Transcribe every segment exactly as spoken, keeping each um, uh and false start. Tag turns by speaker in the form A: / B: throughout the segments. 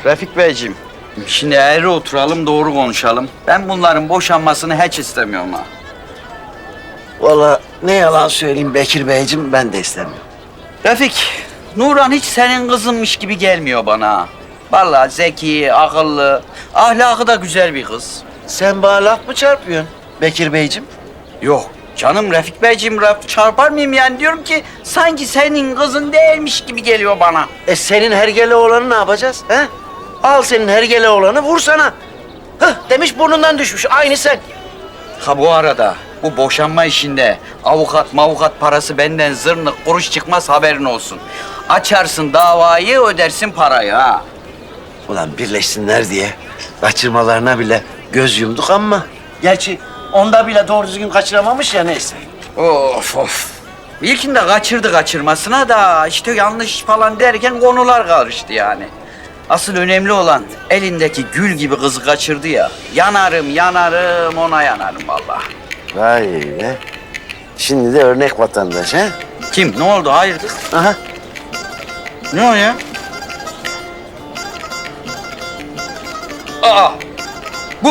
A: Refik Beyciğim, şimdi eğri oturalım, doğru konuşalım. Ben bunların boşanmasını hiç istemiyorum ha.
B: Vallahi ne yalan söyleyeyim Bekir Beyciğim, ben de istemiyorum.
A: Refik, Nurhan hiç senin kızınmış gibi gelmiyor bana ha. Vallahi zeki, akıllı, ahlakı da güzel bir kız.
B: Sen bana laf mı çarpıyorsun Bekir Beyciğim?
A: Yok canım Refik Beyciğim, laf çarpar mıyım yani? Diyorum ki sanki senin kızın değilmiş gibi geliyor bana.
B: E senin hergele oğlanı ne yapacağız? He? Al senin hergele oğlanı, vur sana. Hah, demiş burnundan düşmüş, aynı sen.
A: Ha bu arada bu boşanma işinde avukat mavukat parası benden zırnık kuruş çıkmaz, haberin olsun. Açarsın davayı, ödersin parayı ha.
B: Ulan birleşsinler diye kaçırmalarına bile göz yumduk ama... Gerçi onda bile doğru düzgün kaçıramamış ya, neyse.
A: Of of. İlkinde kaçırdı kaçırmasına da işte yanlış falan derken konular karıştı yani. Asıl önemli olan elindeki gül gibi kızı kaçırdı ya. Yanarım yanarım ona yanarım vallahi.
B: Vay be. Şimdi de örnek vatandaş ha?
A: Kim? Ne oldu? Hayırdır?
B: Aha.
A: Ne o ya? Aa! Bu...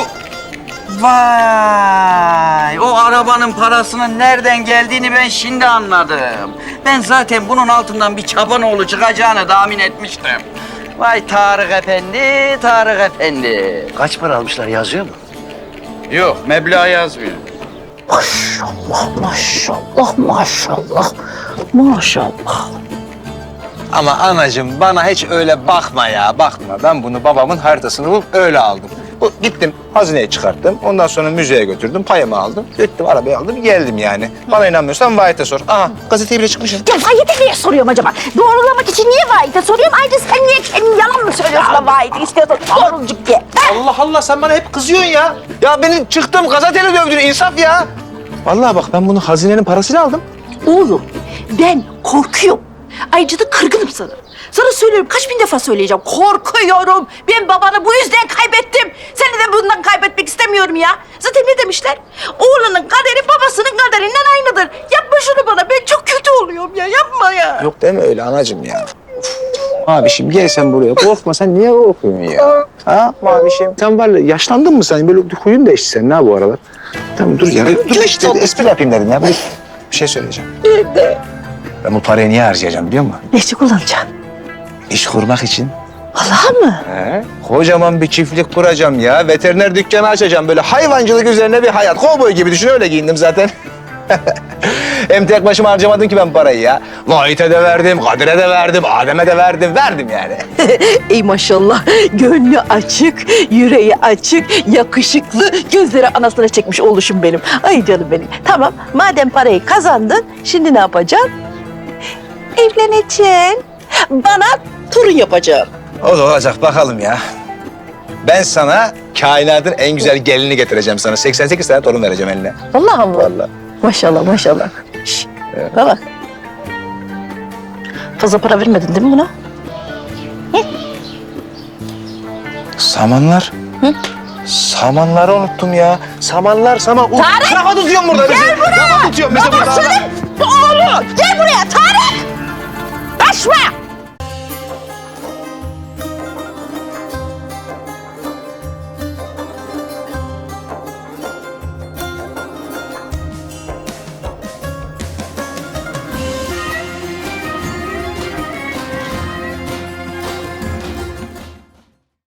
A: Vay! O arabanın parasının nereden geldiğini ben şimdi anladım. Ben zaten bunun altından bir çapanoğlu çıkacağını tahmin etmiştim. Vay Tarık Efendi, Tarık Efendi.
B: Kaç para almışlar, yazıyor mu?
A: Yok, meblağ yazmıyor.
C: Maşallah, maşallah, maşallah, maşallah.
D: Ama anacığım bana hiç öyle bakma ya, bakma. Ben bunu babamın haritasını bulup öyle aldım. Bu, gittim hazineye çıkarttım. Ondan sonra müzeye götürdüm, payımı aldım. Gittim arabayı aldım, geldim yani. Bana inanmıyorsan Vahit'e sor. Aha, gazeteye bile çıkmışım.
C: Ya Vahit'e niye soruyorum acaba? Doğrulamak için niye Vahit'e soruyorum? Ayrıca sen niye kendin yalan mı söylüyorsun da Vahit'e istiyorsan doğrucuk diye? Ha?
D: Allah Allah, sen bana hep kızıyorsun ya. Ya beni çıktım gazeteyle dövdün, insaf ya. Vallahi bak, ben bunu hazinenin parasıyla aldım.
C: Oğlum ben korkuyorum. Ayrıca da kırgınım sana. Sana söylüyorum, kaç bin defa söyleyeceğim. Korkuyorum. Ben babanı bu yüzden kaybettim. Seni de bundan kaybetmek istemiyorum ya. Zaten ne demişler? Oğlanın kaderi babasının kaderinden aynıdır. Yapma şunu bana. Ben çok kötü oluyorum ya. Yapma ya.
D: Yok deme öyle anacığım ya. Mavişim gel sen buraya. Korkma, sen niye korkuyorsun ya? Ha Mavişim? Sen var ya, yaşlandın mı sen? Böyle huyun değişti senin ha bu aralar. Tamam dur ya. Dur işte espri yapayım dedim ya. Bir, bir şey söyleyeceğim.
C: Nerede?
D: Ben bu parayı niye harcayacağım biliyor musun?
C: Ne için kullanacaksın?
D: İş kurmak için.
C: Vallahi mı?
D: He? Kocaman bir çiftlik kuracağım ya. Veteriner dükkanı açacağım. Böyle hayvancılık üzerine bir hayat. Kovboy gibi düşün, öyle giyindim zaten. Hem tek başıma harcamadım ki ben parayı ya. Vahit'e de verdim, Kadir'e de verdim, Adem'e de verdim. Verdim yani.
C: Ey maşallah. Gönlü açık, yüreği açık, yakışıklı, gözleri anasına çekmiş oluşum benim. Ay canım benim. Tamam, madem parayı kazandın, şimdi ne yapacaksın? Evleneceksin. Bana torun yapacaksın.
D: O da olacak bakalım ya. Ben sana kainatın en güzel gelini getireceğim sana. seksen sekiz tane torun vereceğim eline.
C: Vallahi mı?
D: Vallahi.
C: Maşallah, maşallah. Şş,
D: Evet.
C: bana bak. Fazla para vermedin değil mi buna?
D: Samanlar.
C: Hı?
D: Samanları unuttum ya. Samanlar, saman.
C: Tarık!
D: Kafa tutuyorum burada.
C: Gel
D: bizi.
C: buraya!
D: Kafa tutuyorum bizi burada.
C: Babasının oğlu! Gel buraya Tarık! Kaçma!